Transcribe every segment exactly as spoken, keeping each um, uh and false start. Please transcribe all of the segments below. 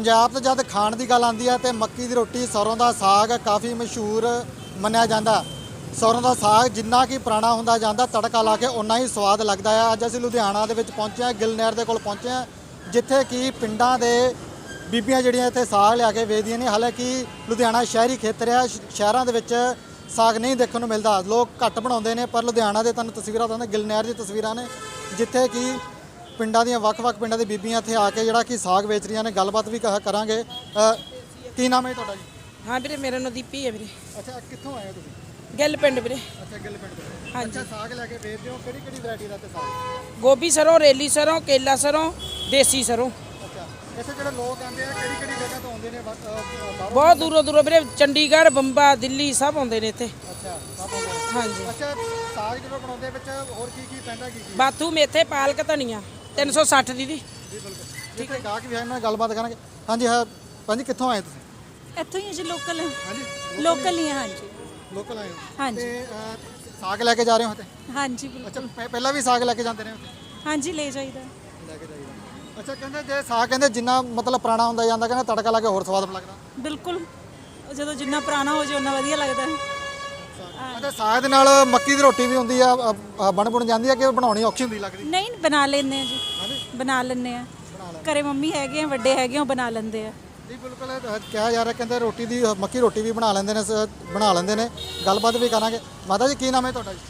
ਪੰਜਾਬ ਤੋਂ ਜਦ ਖਾਣ ਦੀ ਗੱਲ ਆਉਂਦੀ ਹੈ ਤੇ ਮੱਕੀ ਦੀ ਰੋਟੀ ਸਰੋਂ ਦਾ ਸਾਗ ਕਾਫੀ ਮਸ਼ਹੂਰ ਮੰਨਿਆ ਜਾਂਦਾ। ਸਰੋਂ ਦਾ ਸਾਗ ਜਿੰਨਾ ਕਿ ਪੁਰਾਣਾ ਹੁੰਦਾ ਜਾਂਦਾ ਤੜਕਾ ਲਾ ਕੇ ਉਨਾ ਹੀ ਸਵਾਦ ਲੱਗਦਾ ਹੈ। ਅੱਜ ਅਸੀਂ ਲੁਧਿਆਣਾ ਦੇ ਵਿੱਚ ਪਹੁੰਚੇ ਹਾਂ, ਗਿੱਲ ਨਹਿਰ ਦੇ ਕੋਲ ਪਹੁੰਚੇ ਹਾਂ, ਜਿੱਥੇ ਕਿ ਪਿੰਡਾਂ ਦੇ ਬੀਬੀਆਂ ਜਿਹੜੀਆਂ ਇੱਥੇ ਸਾਗ ਲਿਆ ਕੇ ਵੇਚਦੀਆਂ ਨੇ। ਹਾਲਾਂਕਿ ਲੁਧਿਆਣਾ ਸ਼ਹਿਰੀ ਖੇਤਰ ਹੈ, ਸ਼ਹਿਰਾਂ ਦੇ ਵਿੱਚ ਸਾਗ ਨਹੀਂ ਦੇਖਣ ਨੂੰ ਮਿਲਦਾ, ਲੋਕ ਘੱਟ ਬਣਾਉਂਦੇ ਨੇ। ਪਰ ਲੁਧਿਆਣਾ ਦੇ ਤੁਹਾਨੂੰ ਤਸਵੀਰਾਂ ਦਿਖਾਉਂਦੇ, ਗਿੱਲ ਨਹਿਰ ਦੀ ਤਸਵੀਰਾਂ ਨੇ ਜਿੱਥੇ ਕਿ ਪਿੰਡਾਂ ਦੀਆਂ ਵੱਖ-ਵੱਖ ਪਿੰਡਾਂ ਦੀ ਬੀਬੀਆਂ ਇੱਥੇ ਆ ਕੇ ਜਿਹੜਾ ਕਿ ਸਾਗ ਵੇਚ ਰਹੀਆਂ ਨੇ। ਗੱਲਬਾਤ ਵੀ ਕ- ਕਰਾਂਗੇ। ਅ, ਕੀ ਨਾਮ ਹੈ ਤੁਹਾਡਾ ਜੀ? ਹਾਂ ਵੀਰੇ, ਮੇਰਾ ਨਾਂ ਦੀਪੀ ਹੈ ਵੀਰੇ। ਅੱਛਾ, ਕਿੱਥੋਂ ਆਏ ਹੋ ਤੁਸੀਂ? ਗਿੱਲ ਪਿੰਡ ਵੀਰੇ। ਅੱਛਾ, ਗਿੱਲ ਪਿੰਡ ਤੋਂ। ਹਾਂਜੀ। ਅੱਛਾ, ਸਾਗ ਲੈ ਕੇ ਵੇਚਦੇ ਹੋ, ਕਿਹੜੀ ਕਿਹੜੀ ਵੈਰਾਈਟੀ ਦਾ ਤੇ ਸਾਗ? ਗੋਭੀ ਸਰੋਂ, ਰੇਲੀ ਸਰੋਂ, ਕੇਲਾ ਸਰੋਂ, ਦੇਸੀ ਸਰੋਂ। ਅੱਛਾ, ਇੱਥੇ ਜਿਹੜੇ ਲੋਕ ਆਉਂਦੇ ਆ ਕਿਹੜੀ ਕਿਹੜੀ ਜਗ੍ਹਾ ਤੋਂ ਆਉਂਦੇ ਨੇ? ਬਸ, ਅ, ਬਾਹਰੋਂ? ਬਹੁਤ ਦੂਰੋਂ ਦੂਰੋਂ ਵੀਰੇ, ਚੰਡੀਗੜ੍ਹ, ਬੰਬਾ, ਦਿੱਲੀ ਸਭ ਆਉਂਦੇ ਨੇ ਇੱਥੇ। ਅੱਛਾ, ਸਭ ਆਉਂਦੇ ਨੇ। ਹਾਂਜੀ। ਅੱਛਾ, ਸਾਗ ਜਦੋਂ ਬਣਾਉਂਦੇ ਵਿੱਚ ਹੋਰ ਕੀ ਕੀ ਪੈਂਦਾ, ਕੀ ਕੀ? ਬਾਥੂ, ਮੇਥੇ, ਪਾਲਕ, ਧਨੀਆ। ਤਿੰਨ ਸੌ ਸੱਠ ਦੀਦੀ। ਜੀ ਬਿਲਕੁਲ। ਠੀਕ ਹੈ, ਗਾਹਕ ਵੀ ਹੈ, ਇਹਨਾਂ ਨਾਲ ਗੱਲਬਾਤ ਕਰਾਂਗੇ। ਹਾਂਜੀ ਹਾਂ ਭਾਜੀ, ਕਿੱਥੋਂ ਆਏ ਤੁਸੀਂ? ਇੱਥੋਂ ਹੀ ਜੀ, ਲੋਕਲ ਹਾਂਜੀ, ਲੋਕਲ ਹੀ ਹੈ। ਹਾਂਜੀ ਲੋਕਲ ਆਏ ਹੋ? ਹਾਂਜੀ। ਤੇ ਅ, ਸਾਗ ਲੈ ਕੇ ਜਾ ਰਹੇ ਹੋ ਤੇ? ਹਾਂਜੀ ਅੱਛਾ, ਬਿਲਕੁਲ। ਪਹਿ- ਪਹਿਲਾਂ ਵੀ ਸਾਗ ਲੈ ਕੇ ਜਾਂਦੇ ਨੇ ਉੱਥੇ? ਹਾਂਜੀ, ਲੈ ਜਾਈਦਾ। ਲੈ ਕੇ ਜਾਈਦਾ। ਅੱਛਾ, ਕਹਿੰਦੇ ਜੇ ਸਾਗ ਕਹਿੰਦੇ ਜਿੰਨਾ ਮਤਲਬ ਪੁਰਾਣਾ ਹੁੰਦਾ ਜਾਂਦਾ, ਕਹਿੰਦੇ ਤੜਕਾ ਲਾ ਕੇ ਹੋਰ ਸਵਾਦ ਲੱਗਦਾ। ਬਿਲਕੁਲ, ਉਹ ਜਦੋਂ ਜਿੰਨਾ ਪੁਰਾਣਾ ਹੋ ਜਾਏ ਉਨਾ ਵਧੀਆ ਲੱਗਦਾ ਹੈ। ਅੱਛਾ, ਸਾਗ ਦੇ ਨਾਲ ਮੱਕੀ ਦੀ ਰੋਟੀ ਵੀ ਹੁੰਦੀ ਆ, ਅ, ਅ, ਬਣ ਬਣ ਜਾਂਦੀ ਆ ਕਿ ਬਣਾਉਣੀ ਔਖੀ ਹੁੰਦੀ ਲੱਗਦੀ? ਨਹੀਂ, ਬਣਾ ਲੈਂਦੇ ਆ ਜੀ, ਹਾਂਜੀ, ਬਣਾ ਲੈਂਦੇ ਆ। ਬਣਾ ਲੈ। ਘਰੇ ਮੰਮੀ ਹੈਗੇ ਆ, ਵੱਡੇ ਹੈਗੇ ਆ, ਉਹ ਬਣਾ ਲੈਂਦੇ ਆ। ਜੀ ਬਿਲਕੁਲ, ਅ, ਕਿਹਾ ਜਾ ਰਿਹਾ ਕਹਿੰਦੇ ਰੋਟੀ ਦੀ ਅ, ਮੱਕੀ ਰੋਟੀ ਵੀ ਬਣਾ ਲੈਂਦੇ ਨੇ, ਸ- ਬਣਾ ਲੈਂਦੇ ਨੇ। ਗੱਲਬਾਤ ਵੀ ਕਰਾਂਗੇ। ਮਾਤਾ ਜੀ, ਕੀ ਨਾਮ ਹੈ ਤੁਹਾਡਾ ਜੀ?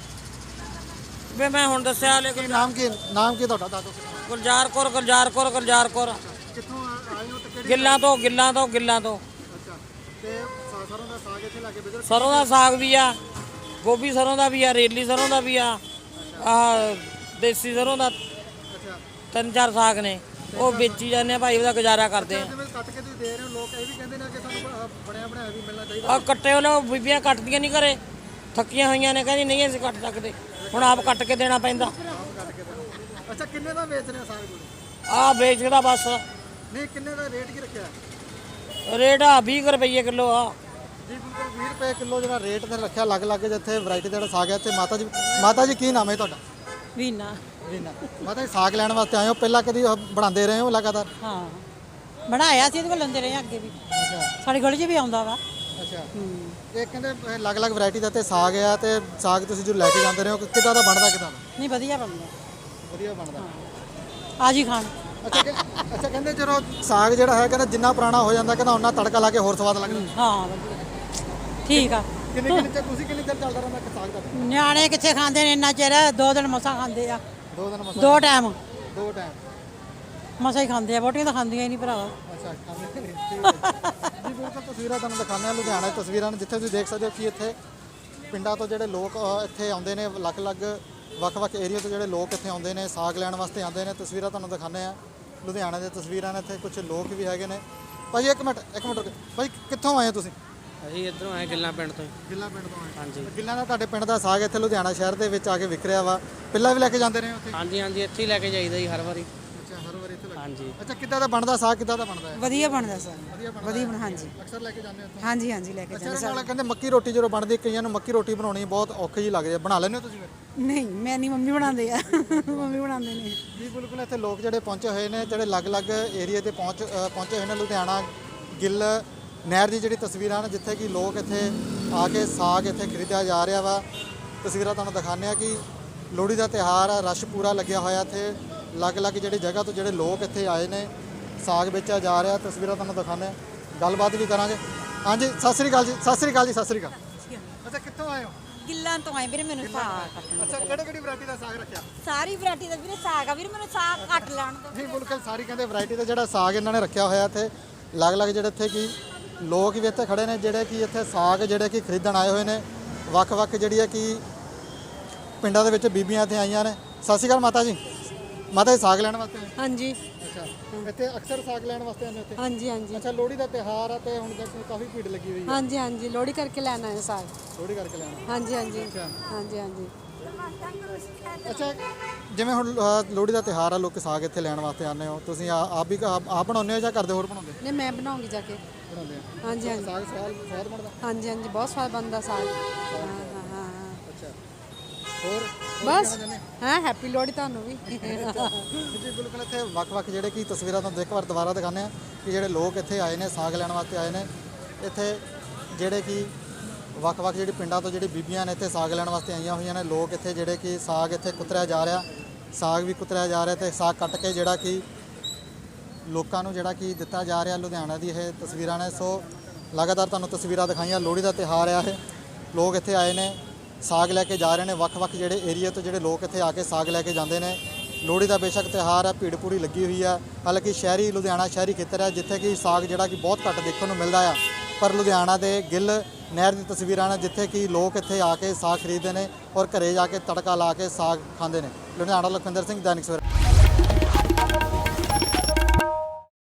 ਵੇ ਮੈਂ ਹੁਣ ਦੱਸਿਆ ਕੀ ਨਾਮ ਕੀ ਨਾਮ ਕੀ ਤੁਹਾਡਾ? ਦੱਸੋ। ਗੁਲਜ਼ਾਰ ਕੌਰ, ਗੁਲਜ਼ਾਰ ਕੌਰ, ਗੁਲਜ਼ਾਰ ਕੌਰ। ਕਿੱਥੋਂ ਆ- ਆਏ ਹੋ ਤੇ ਕਿਹੜੀ? ਗਿੱਲਾਂ ਤੋਂ, ਗਿੱਲਾਂ ਤੋਂ, ਗਿੱਲਾਂ ਤੋਂ। ਅੱਛਾ, ਤੇ ਸਾ- ਸਰੋਂ ਦਾ ਸਾਗ ਇੱਥੇ ਲਾ ਕੇ ਵੇਚਦੇ? ਸਰੋਂ ਦਾ ਸਾਗ ਵੀ ਆ, ਗੋਭੀ ਸਰੋਂ ਦਾ ਵੀ ਆ, ਰੇਲੀ ਸਰੋਂ ਦਾ ਵੀ ਆ, ਆ ਦੇਸੀ ਸਰੋਂ ਦਾ। ਅੱਛਾ, ਤਿੰਨ ਚਾਰ ਸਾਗ ਨੇ, ਉਹ ਵੇਚੀ ਜਾਂਦੇ ਆ ਭਾਈ, ਉਹਦਾ ਗੁਜ਼ਾਰਾ ਕਰਦੇ ਆ। ਜਿਵੇਂ ਕੱਟ ਕੇ ਤੁਸੀਂ ਦੇ ਰਹੇ ਹੋ, ਲੋਕ ਇਹ ਵੀ ਕਹਿੰਦੇ ਨੇ ਕਿ ਸਾਨੂੰ ਅ, ਬਣਿਆ ਬਣਾਇਆ ਵੀ ਮਿਲਣਾ ਚਾਹੀਦਾ। ਆ ਕੱਟੇ ਉਹਨਾਂ ਬੀਬੀਆਂ ਕੱਟਦੀਆਂ ਨਹੀਂ ਘਰੇ, ਥੱਕੀਆਂ ਹੋਈਆਂ ਨੇ, ਕਹਿੰਦੀ ਨਹੀਂ ਅਸੀਂ ਕੱਟ ਸਕਦੇ, ਹੁਣ ਆਪ ਕੱਟ ਕੇ ਦੇਣਾ ਪੈਂਦਾ। ਆਪ ਕੱਟ ਕੇ ਦੇਣਾ। ਅੱਛਾ, ਕਿੰਨੇ ਦਾ ਵੇਚ ਰਹੇ ਹੋ ਸਾਗ ਤੁਸੀਂ? ਆ ਵੇਚਦਾ ਬਸ, ਨਹੀਂ, ਕਿੰਨੇ ਦਾ ਰੇਟ ਕੀ ਰੱਖਿਆ? ਰੇਟ ਆ ਵੀਹ ਰੁਪਏ ਕਿਲੋ ਆ। ਜੀ ਬਿਲਕੁਲ, ਵੀਹ ਰੁਪਏ ਕਿਲੋ ਜਿਹੜਾ ਰੇਟ ਤੇ ਰੱਖਿਆ ਅਲੱਗ-ਅਲੱਗ ਜਿੱਥੇ ਵੈਰਾਈਟੀ ਦਾ ਜਿਹੜਾ ਸਾਗ ਹੈ। ਤੇ ਮਾਤਾ ਜੀ, ਮਾਤਾ ਜੀ ਕੀ ਨਾਮ ਹੈ ਤੁਹਾਡਾ? ਵੀਨਾ। ਰੀਨਾ। ਮਾਤਾ ਜੀ, ਸਾਗ ਲੈਣ ਵਾਸਤੇ ਆਏ ਹੋ, ਪਹਿਲਾਂ ਕਦੀ ਅ, ਬਣਾਉਂਦੇ ਰਹੇ ਹੋ ਲਗਾਤਾਰ? ਹਾਂ, ਬਣਾਇਆ ਸੀ, ਇਹਦੇ ਕੋਲ ਲੈਂਦੇ ਰਹੇ ਅੱਗੇ ਵੀ। ਅੱਛਾ ਸਾਡੇ ਗਲੀ 'ਚ ਵੀ ਆਉਂਦਾ ਵਾ। ਅੱਛਾ। ਇਹ ਕਹਿੰਦੇ ਅ, ਅਲੱਗ-ਅਲੱਗ ਵੈਰਾਈਟੀ ਦਾ ਤੇ ਸਾਗ ਆ, ਤੇ ਸਾਗ ਤੁਸੀਂ ਜੋ ਲੈ ਕੇ ਜਾਂਦੇ ਰਹੇ ਹੋ ਕਿੱਦਾਂ ਦਾ ਬਣਦਾ, ਕਿੱਦਾਂ ਦਾ? ਨਹੀਂ, ਵਧੀਆ ਬਣਦਾ। ਵਧੀਆ ਬਣਦਾ। ਆ ਜੀ ਖਾਣ। ਅੱਛਾ ਕਿ- ਅੱਛਾ, ਕਹਿੰਦੇ ਜਦੋਂ ਸਾਗ ਜਿਹੜਾ ਹੈ ਕਹਿੰਦਾ ਜਿੰਨਾ ਪੁਰਾਣਾ ਹੋ ਜਾਂਦਾ ਕਹਿੰਦਾ ਉਹਨਾਂ ਤੜਕਾ ਲਾ ਕੇ ਹੋਰ ਸਵਾਦ ਲੱਗਦਾ। ਹਾਂ, ਵਧੀਆ। ਠੀਕ ਆ। ਕਿੰਨੇ ਕਿੰਨੇ ਚਿਰ ਤੁਸੀਂ ਕਿੰਨੇ ਚਿਰ ਚੱਲਦਾ ਰਹਿੰਦਾ ਸਾਗ ਦਾ? ਨਿਆਣੇ ਕਿੱਥੇ ਖਾਂਦੇ ਨੇ ਇੰਨਾ ਚਿਰ? ਦੋ ਦਿਨ ਮਸਾਂ ਖਾਂਦੇ ਆ। ਦੋ ਦਿਨ ਮਸਾ? ਦੋ ਟਾਈਮ ਦੋ ਟਾਈਮ। ਮਸਾਂ ਹੀ ਖਾਂਦੇ ਆ, ਵੋਟੀਆਂ ਤਾਂ ਖਾਂਦੀਆਂ ਹੀ ਨਹੀਂ ਭਰਾਵਾ। ਅੱਛਾ, ਖਾਂਦੇ ਨਹੀਂ। ਠੀਕ ਹੈ ਜੀ। ਬਿਲਕੁਲ, ਤਸਵੀਰਾਂ ਤੁਹਾਨੂੰ ਦਿਖਾਉਂਦੇ ਹਾਂ ਲੁਧਿਆਣਾ ਦੀ ਤਸਵੀਰਾਂ ਨੇ, ਜਿੱਥੇ ਤੁਸੀਂ ਦੇਖ ਸਕਦੇ ਹੋ ਕਿ ਇੱਥੇ ਪਿੰਡਾਂ ਤੋਂ ਜਿਹੜੇ ਲੋਕ ਅ, ਇੱਥੇ ਆਉਂਦੇ ਨੇ, ਅਲੱਗ-ਅਲੱਗ ਵੱਖ-ਵੱਖ ਏਰੀਆ ਤੋਂ ਜਿਹੜੇ ਲੋਕ ਇੱਥੇ ਆਉਂਦੇ ਨੇ, ਸਾਗ ਲੈਣ ਵਾਸਤੇ ਆਉਂਦੇ ਨੇ। ਤਸਵੀਰਾਂ ਤੁਹਾਨੂੰ ਦਿਖਾਉਂਦੇ ਆ ਲੁਧਿਆਣਾ ਦੀਆਂ ਤਸਵੀਰਾਂ ਨੇ। ਇੱਥੇ ਕੁਝ ਲੋਕ ਵੀ ਹੈਗੇ ਨੇ। ਭਾਈ ਇੱਕ ਮਿੰਟ ਇੱਕ ਮਿੰਟ ਰੁਕੋ। ਭਾਈ ਕਿੱਥੋਂ ਆਏ ਹੋ ਤੁਸੀਂ? ਅਸੀਂ ਇੱਧਰੋਂ ਆਏ ਗਿੱਲਾਂ ਪਿੰਡ ਤੋਂ। ਗਿੱਲਾ ਪਿੰਡ ਤੋਂ ਆਏ? ਹਾਂਜੀ ਗਿੱਲਾਂ ਦਾ ਤੁਹਾਡੇ ਪਿੰਡ ਦਾ ਸਾਗ ਇੱਥੇ ਲੁਧਿਆਣਾ ਸ਼ਹਿਰ ਦੇ ਵਿੱਚ ਆ ਕੇ ਵਿਕ ਰਿਹਾ ਵਾ, ਪਹਿਲਾਂ ਵੀ ਲੈ ਕੇ ਜਾਂਦੇ ਰਹੇ ਹੋ ਉੱਥੇ? ਹਾਂਜੀ ਹਾਂਜੀ, ਇੱਥੇ ਹੀ ਲੈ ਕੇ ਜਾਈਦਾ ਜੀ ਹਰ ਵਾਰੀ। ਅੱਛਾ, ਹਰ ਵਾਰ ਇੱਥੇ ਲੈ ਕੇ? ਹਾਂਜੀ। ਅੱਛਾ, ਕਿੱਦਾਂ ਦਾ ਬਣਦਾ ਸਾਗ, ਕਿੱਦਾਂ ਦਾ ਬਣਦਾ ਹੈ? ਵਧੀਆ ਬਣਦਾ ਸਰ। ਵਧੀਆ ਬਣਦਾ ਵਧੀਆ ਹੈ? ਬਣ ਹਾਂਜੀ ਅਕਸਰ ਲੈ ਕੇ ਜਾਂਦੇ ਹੋ ਉੱਥੇ? ਹਾਂਜੀ ਹਾਂਜੀ ਲੈ ਕੇ ਅੱਛਾ, ਜਾਂਦੇ ਇਹਦੇ ਨਾਲ ਕਹਿੰਦੇ ਮੱਕੀ ਰੋਟੀ ਜਦੋਂ ਬਣਦੀ, ਕਈਆਂ ਨੂੰ ਮੱਕੀ ਰੋਟੀ ਬਣਾਉਣੀ ਬਹੁਤ ਔਖੀ ਜਿਹੀ ਲੱਗਦੀ ਹੈ, ਬਣਾ ਲੈਂਦੇ ਹੋ ਤੁਸੀਂ ਫਿਰ? ਨਹੀਂ, ਮੈਂ ਨਹੀਂ, ਮੰਮੀ ਬਣਾਉਂਦੇ ਆ। ਮੰਮੀ ਬਣਾਉਂਦੇ ਨੇ। ਜੀ ਬਿਲਕੁਲ, ਇੱਥੇ ਲੋਕ ਜਿਹੜੇ ਪਹੁੰਚੇ ਹੋਏ ਨੇ, ਜਿਹੜੇ ਅਲੱਗ-ਅਲੱਗ ਏਰੀਆ ਤੇ ਪਹੁੰਚ ਅ, ਪਹੁੰਚੇ ਹੋਏ ਨੇ। ਲੁਧਿਆਣਾ ਗਿੱਲ ਨਹਿਰ ਦੀ ਜਿਹੜੀ ਤਸਵੀਰਾਂ ਨੇ, ਜਿੱਥੇ ਕਿ ਲੋਕ ਇੱਥੇ ਆ ਕੇ ਸਾਗ ਇੱਥੇ ਖਰੀਦਿਆ ਜਾ ਰਿਹਾ ਵਾ। ਤਸਵੀਰਾਂ ਤੁਹਾਨੂੰ ਦਿਖਾਉਂਦੇ ਆ ਕਿ ਲੋਹੜੀ ਦਾ ਤਿਉਹਾਰ ਆ, ਰਸ਼ ਪੂਰਾ ਲੱਗਿਆ ਹੋਇਆ ਇੱਥੇ। ਅਲੱਗ-ਅਲੱਗ ਜਿਹੜੀ ਜਗ੍ਹਾ ਤੋਂ ਜਿਹੜੇ ਲੋਕ ਇੱਥੇ ਆਏ ਨੇ, ਸਾਗ ਵੇਚਿਆ ਜਾ ਰਿਹਾ। ਤਸਵੀਰਾਂ ਤੁਹਾਨੂੰ ਦਿਖਾਉਂਦੇ ਆ, ਗੱਲਬਾਤ ਵੀ ਕਰਾਂਗੇ। ਹਾਂਜੀ, ਸਤਿ ਸ੍ਰੀ ਅਕਾਲ ਜੀ। ਸਤਿ ਸ੍ਰੀ ਅਕਾਲ ਜੀ। ਸਤਿ ਸ੍ਰੀ ਅਕਾਲ। ਅੱਛਾ, ਕਿੱਥੋਂ ਆਏ ਹੋ? ਗਿੱਲਾਂ ਤੋਂ ਆਏ ਵੀਰੇ, ਮੈਨੂੰ ਸਾਗ ਕੱਟਣਾ। ਅੱਛਾ, ਕਿਹੜੇ ਕਿਹੜੀ ਵੈਰਾਈਟੀ ਦਾ ਸਾਗ ਰੱਖਿਆ? ਸਾਰੀ ਵੈਰਾਈਟੀ ਦਾ ਵੀਰੇ ਸਾਗ ਆ ਵੀਰੇ, ਮੈਨੂੰ ਸਾਗ ਕੱਟ ਲੈਣ ਦੋ। ਨਹੀਂ, ਬਿਲਕੁਲ ਸਾਰੀ ਕਹਿੰਦੇ ਵੈਰਾਈਟੀ ਦਾ ਜਿਹੜਾ ਸਾਗ ਇਹਨਾਂ ਨੇ ਰੱਖਿਆ ਹੋਇਆ ਇੱਥੇ। ਅਲੱਗ-ਅਲੱਗ ਜਿਹੜੇ ਇੱਥੇ ਕੀ ਲੋਕ ਵੀ ਇੱਥੇ ਖੜੇ ਨੇ, ਜਿਹੜੇ ਕਿ ਇੱਥੇ ਸਾਗ ਜਿਹੜੇ ਕਿ ਖਰੀਦਣ ਆਏ ਹੋਏ ਨੇ। ਵੱਖ-ਵੱਖ ਜਿਹੜੀ ਹੈ ਕਿ ਪਿੰਡਾਂ ਦੇ ਵਿੱਚ ਬੀਬੀਆਂ ਇੱਥੇ ਆਈਆਂ ਨੇ। ਸਤਿ ਸ਼੍ਰੀ ਅਕਾਲ ਮਾਤਾ ਜੀ। ਮਾਤਾ ਜੀ, ਸਾਗ ਲੈਣ ਵਾਸਤੇ ਆਏ? ਹਾਂਜੀ ਅੱਛਾ, ਇੱਥੇ ਅਕਸਰ ਸਾਗ ਲੈਣ ਵਾਸਤੇ ਆਉਂਦੇ ਇੱਥੇ? ਹਾਂਜੀ ਹਾਂਜੀ ਅੱਛਾ, ਲੋਹੜੀ ਦਾ ਤਿਉਹਾਰ ਆ ਤੇ ਹੁਣ ਤੱਕ ਕਾਫੀ ਭੀੜ ਲੱਗੀ ਹੋਈ ਹੈ। ਹਾਂਜੀ ਹਾਂਜੀ, ਲੋਹੜੀ ਕਰਕੇ ਲੈਣਾ ਹੈ ਸਾਗ। ਲੋਹੜੀ ਕਰਕੇ ਲੈਣਾ? ਹਾਂਜੀ ਹਾਂਜੀ ਅੱਛਾ। ਹਾਂਜੀ ਹਾਂਜੀ। ਅੱਛਾ, ਜਿਵੇਂ ਹੁਣ ਅ, ਲੋਹੜੀ ਦਾ ਤਿਉਹਾਰ ਆ, ਲੋਕ ਸਾਗ ਇੱਥੇ ਲੈਣ ਵਾਸਤੇ ਆਉਂਦੇ ਹੋ, ਤੁਸੀਂ ਆ- ਆਪ ਵੀ ਆਪ ਆਪ ਬਣਾਉਂਦੇ ਹੋ ਜਾਂ ਕਰਦੇ ਹੋਰ ਬਣਾਉਂਦੇ? ਨਹੀਂ, ਮੈਂ ਬਣਾਉਂਗੀ ਜਾ ਕੇ। ਬਣਾਉਂਦੇ ਆ। ਹਾਂਜੀ ਹਾਂਜੀ ਸਾਗ ਸਵਾਦ ਸਵਾਦ ਬਣਦਾ? ਹਾਂਜੀ ਹਾਂਜੀ, ਬਹੁਤ ਸਵਾਦ ਬਣਦਾ ਸਾਗ। ਹਾਂ ਹਾਂ ਹਾਂ। ਅੱਛਾ, ਹੋਰ ਬਸ ਹਾਂ ਹੈਪੀ ਲੋਹੜੀ ਤੁਹਾਨੂੰ ਵੀ ਜੀ ਬਿਲਕੁਲ ਇੱਥੇ ਵੱਖ-ਵੱਖ ਜਿਹੜੇ ਕੀ ਤਸਵੀਰਾਂ ਤੁਹਾਨੂੰ ਇੱਕ ਵਾਰ ਦੁਬਾਰਾ ਦਿਖਾਉਂਦੇ ਆ ਕਿ ਜਿਹੜੇ ਲੋਕ ਇੱਥੇ ਆਏ ਨੇ ਸਾਗ ਲੈਣ ਵਾਸਤੇ ਆਏ ਨੇ। ਇੱਥੇ ਜਿਹੜੇ ਕਿ ਵੱਖ-ਵੱਖ ਜਿਹੜੀ ਪਿੰਡਾਂ ਤੋਂ ਜਿਹੜੀ ਬੀਬੀਆਂ ਨੇ ਇੱਥੇ ਸਾਗ ਲੈਣ ਵਾਸਤੇ ਆਈਆਂ ਹੋਈਆਂ ਨੇ। ਲੋਕ ਇੱਥੇ ਜਿਹੜੇ ਕਿ ਸਾਗ ਇੱਥੇ ਕੁਤਰਿਆ ਜਾ ਰਿਹਾ, ਸਾਗ ਵੀ ਕੁਤਰਿਆ ਜਾ ਰਿਹਾ ਤੇ ਸਾਗ ਕੱਟ ਕੇ ਜਿਹੜਾ ਕਿ ਲੋਕਾਂ ਨੂੰ ਜਿਹੜਾ ਕਿ ਦਿੱਤਾ ਜਾ ਰਿਹਾ। ਲੁਧਿਆਣਾ ਦੀ ਇਹ ਤਸਵੀਰਾਂ ਨੇ। ਸੋ ਲਗਾਤਾਰ ਤੁਹਾਨੂੰ ਤਸਵੀਰਾਂ ਦਿਖਾਈਆਂ। ਲੋਹੜੀ ਦਾ ਤਿਉਹਾਰ ਆ ਇਹ, ਲੋਕ ਇੱਥੇ ਆਏ ਨੇ ਸਾਗ ਲੈ ਕੇ ਜਾ ਰਹੇ ਨੇ। ਵੱਖ-ਵੱਖ ਜਿਹੜੇ ਏਰੀਆ ਤੋਂ ਜਿਹੜੇ ਲੋਕ ਇੱਥੇ ਆ ਕੇ ਸਾਗ ਲੈ ਕੇ ਜਾਂਦੇ ਨੇ। ਲੋਹੜੀ ਦਾ ਬੇਸ਼ੱਕ ਤਿਉਹਾਰ ਹੈ, ਭੀੜ ਪੂਰੀ ਲੱਗੀ ਹੋਈ ਆ। ਹਾਲਾਂਕਿ ਸ਼ਹਿਰੀ ਲੁਧਿਆਣਾ ਸ਼ਹਿਰੀ ਖੇਤਰ ਹੈ ਜਿੱਥੇ ਕਿ ਸਾਗ ਜਿਹੜਾ ਕਿ ਬਹੁਤ ਘੱਟ ਦੇਖਣ ਨੂੰ ਮਿਲਦਾ ਆ, ਪਰ ਲੁਧਿਆਣਾ ਦੇ ਗਿੱਲ ਨਹਿਰ ਦੀ ਤਸਵੀਰਾਂ ਨੇ ਜਿੱਥੇ ਕਿ ਲੋਕ ਇੱਥੇ ਆ ਕੇ ਸਾਗ ਖਰੀਦਦੇ ਨੇ ਔਰ ਘਰੇ ਜਾ ਕੇ ਤੜਕਾ ਲਾ ਕੇ ਸਾਗ ਖਾਂਦੇ ਨੇ। ਲੁਧਿਆਣਾ ਲਖਵਿੰਦਰ ਸਿੰਘ, ਦੈਨਿਕ ਸਵੇਰਾ।